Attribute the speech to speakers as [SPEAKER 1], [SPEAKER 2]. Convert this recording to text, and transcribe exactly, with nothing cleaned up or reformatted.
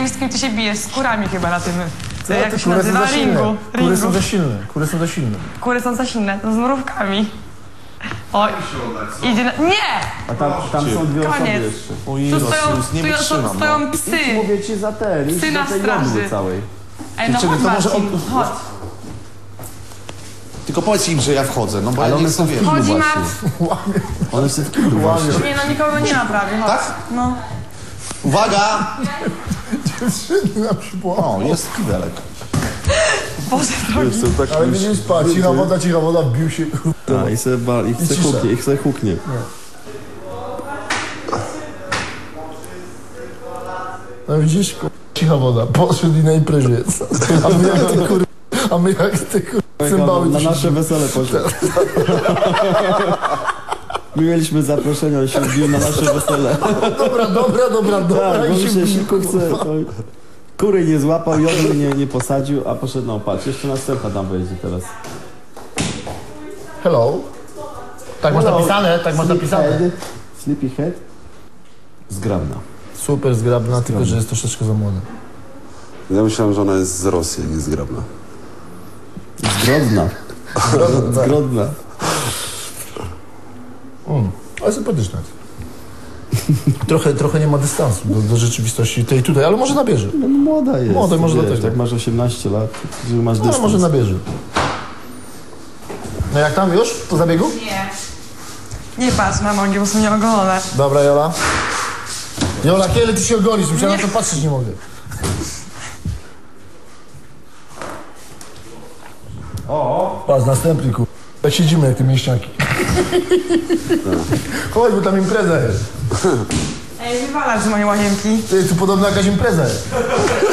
[SPEAKER 1] wiem, z kim ty się bijesz, z kurami chyba na tym,
[SPEAKER 2] Co?
[SPEAKER 1] jak
[SPEAKER 2] Te
[SPEAKER 1] się
[SPEAKER 2] kury są
[SPEAKER 1] nazywa,
[SPEAKER 2] za silne.
[SPEAKER 1] ringu.
[SPEAKER 2] Kury
[SPEAKER 1] ringu.
[SPEAKER 2] są za silne. Kury są za silne.
[SPEAKER 1] Kury są za silne, to z mrówkami. O, idzie na... Nie!
[SPEAKER 3] A tam, tam są dwie osoby
[SPEAKER 1] Koniec.
[SPEAKER 3] jeszcze.
[SPEAKER 1] Tu stoją, tu są, stoją psy.
[SPEAKER 3] Mówię ci za te,
[SPEAKER 1] Psy
[SPEAKER 3] idź
[SPEAKER 1] na
[SPEAKER 3] do tej
[SPEAKER 1] straży.
[SPEAKER 3] jądry całej.
[SPEAKER 1] Ej, no
[SPEAKER 4] Czekaj,
[SPEAKER 1] chodź,
[SPEAKER 4] to może
[SPEAKER 1] Marcin,
[SPEAKER 4] on-
[SPEAKER 1] chodź.
[SPEAKER 4] Tylko powiedz im, że ja wchodzę, no bo
[SPEAKER 3] Ale
[SPEAKER 4] ja
[SPEAKER 3] one
[SPEAKER 4] nie
[SPEAKER 3] są w
[SPEAKER 4] wiem.
[SPEAKER 3] kiblu
[SPEAKER 1] Chodzi,
[SPEAKER 3] właśnie. One są w kiblu właśnie.
[SPEAKER 1] Nie, no nikogo nie ma prawie, chodź.
[SPEAKER 4] Tak?
[SPEAKER 1] No.
[SPEAKER 4] Uwaga!
[SPEAKER 2] Dziewczyny nam przypomną.
[SPEAKER 4] O, jest kibelek.
[SPEAKER 1] Boże drogi.
[SPEAKER 2] Ale mnie nie spać. Cicha woda, cicha woda, wbił się.
[SPEAKER 3] Tak, i sobie, ba, i chce
[SPEAKER 2] cisza.
[SPEAKER 3] huknie, i chce huknie.
[SPEAKER 2] No widzisz, kur... cicha woda. Poszedł i na imprezie. A my jak te kur... A my jak te kur... cymbały.
[SPEAKER 3] Na
[SPEAKER 2] to się-
[SPEAKER 3] nasze wesele poszedł. My mieliśmy zaproszenie, on się wbił na nasze wesele.
[SPEAKER 2] Dobra, dobra, dobra, dobra.
[SPEAKER 3] Tak, bo
[SPEAKER 2] i
[SPEAKER 3] mi się
[SPEAKER 2] wbił,
[SPEAKER 3] szybko
[SPEAKER 2] kurwa.
[SPEAKER 3] chce. To... Kury nie złapał, jodły nie, nie posadził, a poszedł, no patrz, jeszcze następna tam wejdzie teraz.
[SPEAKER 2] Hello. Tak masz
[SPEAKER 3] Hello.
[SPEAKER 2] napisane, tak masz napisane.
[SPEAKER 3] Sleepyhead. Sleepyhead. Zgrabna.
[SPEAKER 2] Super zgrabna, tylko że jest troszeczkę za młoda.
[SPEAKER 5] Ja myślałem, że ona jest z Rosji, nie zgrabna.
[SPEAKER 3] Zgrodna. Zgrodna.
[SPEAKER 2] Mm, ale sympatyczna jest. Trochę, trochę nie ma dystansu do, do rzeczywistości tej tutaj, ale może nabierze.
[SPEAKER 3] No, młoda jest.
[SPEAKER 2] Młoda, może
[SPEAKER 3] wiesz,
[SPEAKER 2] dlatego.
[SPEAKER 3] Jak masz osiemnaście lat, że masz
[SPEAKER 2] No,
[SPEAKER 3] dystans.
[SPEAKER 2] ale może nabierze. No jak tam już? Po zabiegu?
[SPEAKER 1] Nie. Nie patrz na nogi, bo są nieogolone.
[SPEAKER 2] Dobra, Jola. Jola, kiedy ty się ogolisz? Musiałem na to patrzeć, nie mogę. O! Patrz, następny kur... Jak siedzimy jak te mięśniaki. Chodź, bo tam impreza jest.
[SPEAKER 1] Ej, wywalać z mojej łazienki.
[SPEAKER 2] Ty, tu podobno jakaś impreza jest.